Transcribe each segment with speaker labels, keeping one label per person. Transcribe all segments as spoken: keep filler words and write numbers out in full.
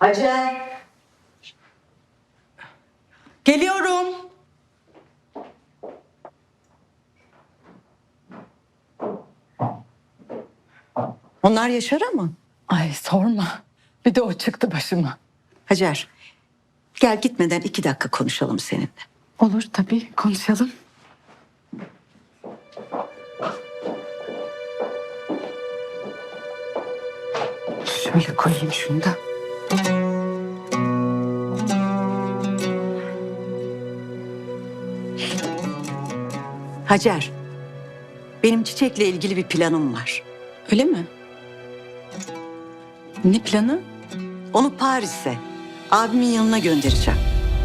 Speaker 1: Hacer.
Speaker 2: Geliyorum.
Speaker 1: Onlar Yaşar'a mı?
Speaker 2: Ay sorma. Bir de o çıktı başıma.
Speaker 1: Hacer, gel gitmeden iki dakika konuşalım seninle.
Speaker 2: Olur tabii, konuşalım. Şöyle koyayım şunu da.
Speaker 1: Hacer, benim Çiçek'le ilgili bir planım var.
Speaker 2: Öyle mi? Ne planı?
Speaker 1: Onu Paris'e, abimin yanına göndereceğim.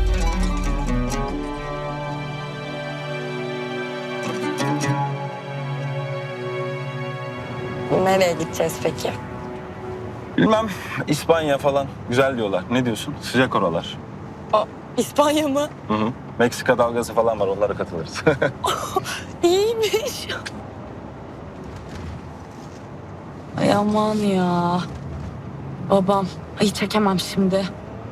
Speaker 3: Nereye gideceğiz peki?
Speaker 4: Bilmem, İspanya falan güzel diyorlar. Ne diyorsun? Sıcak oralar.
Speaker 3: Aa, İspanya mı?
Speaker 4: Hı hı. Meksika dalgası falan var, onlara katılırız.
Speaker 3: İyiymiş. Ay aman ya. Babam. Ay çekemem şimdi.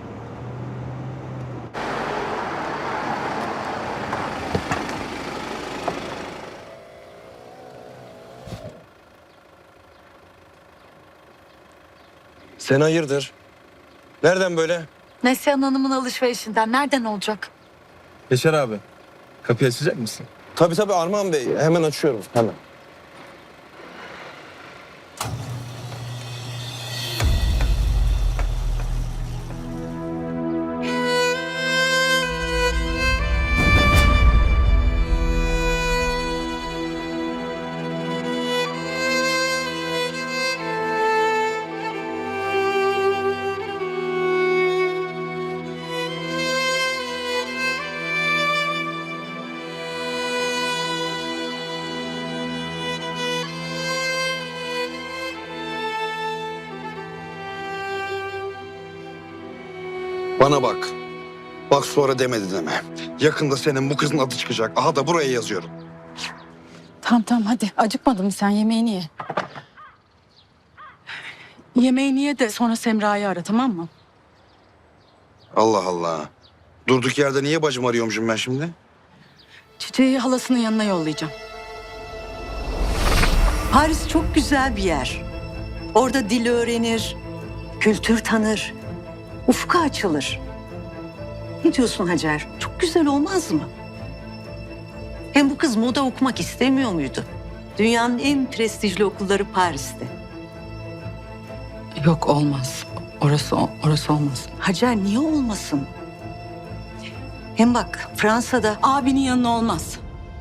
Speaker 5: Sen hayırdır? Nereden böyle?
Speaker 2: Neslihan Hanım'ın alışverişinden nereden olacak?
Speaker 4: Yaşar abi, kapıyı açacak mısın?
Speaker 5: Tabii tabii Armağan Bey. Hemen açıyorum. Hemen. Bana bak. Bak sonra demedi deme. Yakında senin bu kızın adı çıkacak. Aha da buraya yazıyorum.
Speaker 2: Tamam tamam hadi. Acıkmadın mı sen? Yemeğini ye. Yemeğini ye de sonra Semra'yı ara, tamam mı?
Speaker 5: Allah Allah. Durduk yerde niye bacımı arıyormuşum ben şimdi?
Speaker 2: Çiçeği halasının yanına yollayacağım.
Speaker 1: Paris çok güzel bir yer. Orada dil öğrenir, kültür tanır, ufku açılır. Ne diyorsun Hacer? Çok güzel olmaz mı? Hem bu kız moda okumak istemiyor muydu? Dünyanın en prestijli okulları Paris'te.
Speaker 2: Yok olmaz. Orası orası olmaz.
Speaker 1: Hacer niye olmasın? Hem bak Fransa'da
Speaker 2: Abinin yanına olmaz.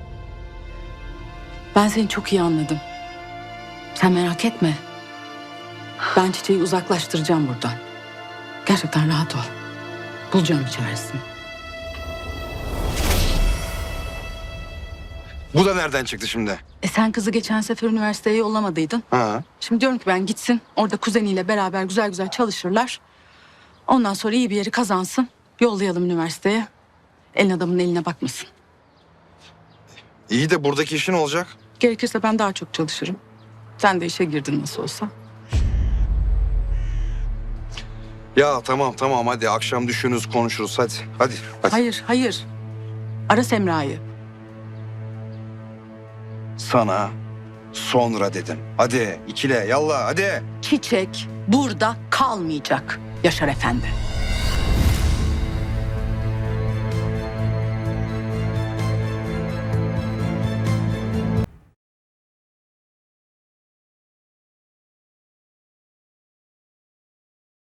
Speaker 2: Ben seni çok iyi anladım. Sen merak etme. Ben Çiçeği uzaklaştıracağım buradan. Gerçekten rahat ol. Bulacağım bir çaresini.
Speaker 5: Bu da nereden çıktı şimdi?
Speaker 2: E sen kızı geçen sefer üniversiteye yollamadıydın.
Speaker 5: Ha?
Speaker 2: Şimdi diyorum ki ben gitsin. Orada kuzeniyle beraber güzel güzel çalışırlar. Ondan sonra iyi bir yeri kazansın. Yollayalım üniversiteye. Elin adamın eline bakmasın.
Speaker 5: İyi de buradaki işin olacak.
Speaker 2: Gerekirse ben daha çok çalışırım. Sen de işe girdin nasıl olsa.
Speaker 5: Ya tamam tamam hadi akşam düşünürüz konuşuruz hadi. Hadi. hadi.
Speaker 2: Hayır, hayır. Ara Semra'yı.
Speaker 5: Sana sonra dedim. Hadi ikile yallah hadi.
Speaker 2: Çiçek burada kalmayacak Yaşar Efendi.